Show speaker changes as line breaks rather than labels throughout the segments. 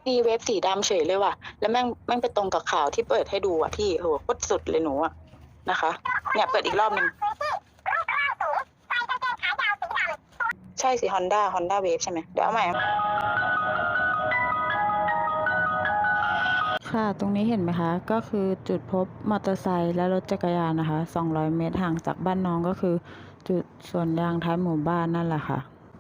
มีเวฟสีดำเฉยเลยว่ะแล้วแม่งไปตรงกับข่าวที่เปิดให้ดูอ่ะพี่โหโคตรสุดเลยหนูอ่ะนะคะเนี่ยเปิดอีกรอบนึงใช่สิ Honda Wave ใช่ไหมเดี๋ยวเอาใหม่
ค่ะตรงนี้เห็นไหมคะก็คือจุดพบมอเตอร์ไซค์และรถจักรยานนะคะ200 เมตรห่างจากบ้านน้องก็คือจุดสวนยางท้ายหมู่บ้านนั่นแหละค่ะ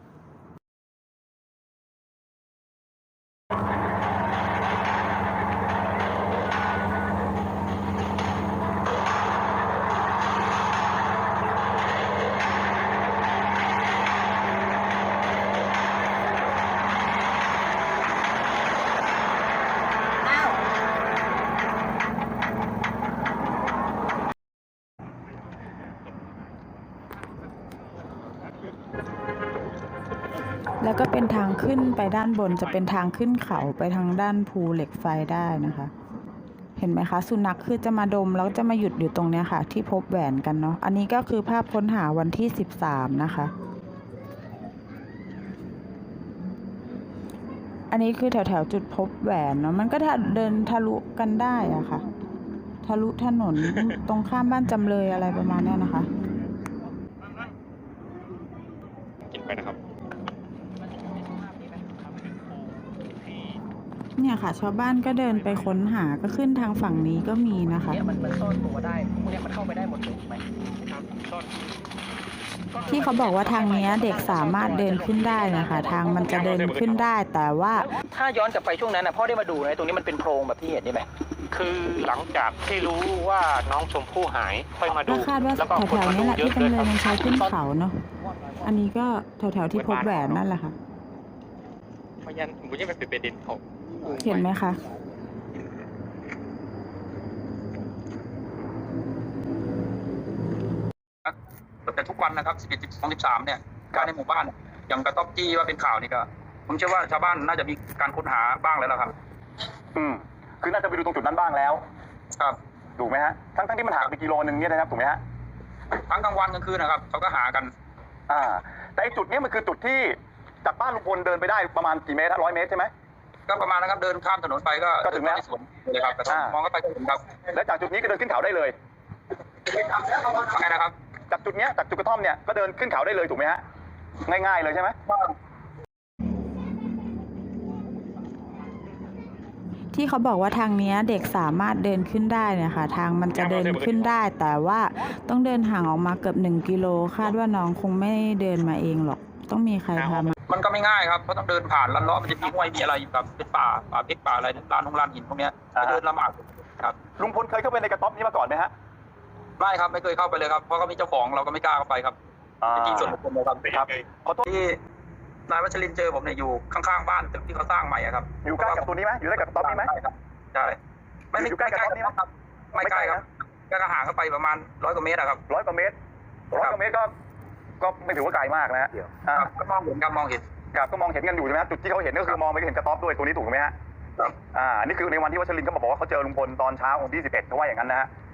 แล้วก็เป็นทางขึ้นไปด้านบนจะเป็นทางขึ้นเขาไปทางด้านภูเหล็กไฟได้นะคะเห็นไหมคะสุนัขคือจะมาดมแล้วจะมาหยุดอยู่ตรงนี้ค่ะที่พบแหวนกันเนาะอันนี้ก็คือภาพค้นหาวันที่13นะคะอันนี้คือแถวจุดพบแหวนเนาะมันก็เดินทะลุกันได้อะค่ะทะลุถนนตรงข้ามบ้านจำเลยอะไรประมาณนี้นะคะ
กินไปนะครับ
เนี่ยค่ะชาวบ้านก็เดินไปค้นหาก็ขึ้นทางฝั่งนี้ก็มีนะคะ
เนี่ยมันซ่อนตัวได้พวกนี้มันเข้าไปได้หมดเลยไหม
ครับซ่อน
ที่เขาบอกว่าทางนี้เด็กสามารถเดินขึ้นได้นะคะทางมันจะเดินขึ้นได้แต่ว่า
ถ้าย้อนกลับไปช่วงนั้นนะพ่อได้มาดูนะตรงนี้มันเป็นโพรงแบบที่เห็นนี่ไหม
คือหลังจากที่รู้ว่าน้องชมพู่หายค่อยมาดู
ก็คาดว่าแถวๆนี้แหละที่จำเลยมันใช้ขึ้นเขาเนาะอันนี้ก็แถวๆที่พบแหวนนั่นแหละค่ะ
พยันบุญยังเป็นประเด็นเขา
เห็นไหมคะ
แต่ทุกวันนะครับ11 12 13เนี่ยการในหมู่บ้านอย่างกระต๊อบจี้ว่าเป็นข่าวนี่ก็ผมเชื่อว่าชาวบ้านน่าจะมีการค้นหาบ้างแล้วล่ะครับ
คือน่าจะไปดูตรงจุดนั้นบ้างแล้ว
ครับ
ถูกไหมฮะทั้งที่มันห่างไปกิโลนึงเนี่ยนะครับถูกไหมฮะ
ทั้งกลางวันกลางคืนนะครับเขาก็หากัน
แต่ไอ้จุดนี้มันคือจุดที่จากบ้านลุงพลเดินไปได้ประมาณกี่เมตร100 เมตรใช่ไหม
ก็ประมาณนะครับเดินข้ามถนนไปก็
ถึงแล้ว
ที่สวนเลยครับมองเข้าไปก็เห็นครับ
และจากจุดนี้ก็เดินขึ้นเขาได้เลย
ไงนะครับ
จากจุดนี้จากจุดกระท่อมเนี่ยก็เดินขึ้นเขาได้เลยถูกไหมฮะง่ายๆเลยใช่ไหม
ที่เขาบอกว่าทางนี้เด็กสามารถเดินขึ้นได้เนี่ยค่ะทางมันจะเดินขึ้นได้แต่ว่าต้องเดินห่างออกมาเกือบ1 กิโลคาดว่าน้องคงไม่เดินมาเองหรอกต้องมีใครพามา
มันก็ไม่ง่ายครับเพราะต้องเดินผ่านลันล้อมันจะมีห้วยมีอะไรแบบเป็นป่าเพชรป่าอะไรลานหินพวกนี้เดินลำบากครับ
ลุงพลเคยเข้าไปในกระต๊อบนี้มาก่อนไหมฮะ
ไม่ครับไม่เคยเข้าไปเลยครับเพราะก็มีเจ้าของเราก็ไม่กล้าเข้าไปครับเป็นที่ส่วนบุคคลเลยครับ
ขอโทษ
ที่นายวัชรินทร์เจอผมเนี่ยอยู่ข้างๆบ้านตึกที่เขาสร้างใหม่ครับ
อยู่ใกล้กับตัวนี้ไหมอยู่ใกล้กับกระต๊อบนี้ไหม
ใช่ไม่
อยู่ใกล้กับกระต๊อบนี้ไหม
ไม่ใกล้ครับก็ห่างเข้าไปประมาณ100 กว่าเมตรครับ
100 กว่าเมตรก็ไม่ถือว่าไกลมากนะฮะ
ก็มองเห็นครับมองเห็น
ครับก็มองเห็นกันอยู่ใช่ไหมจุดที่เขาเห็นก็คือมองไปเห็นกระต๊อบด้วยตัวนี้ถูกไหมฮะนี่คือในวันที่วัชรินทร์เขาบอกว่าเขาเจอลุงพลตอนเช้าของที่11เขาว่าอย่างนั้นนะฮะ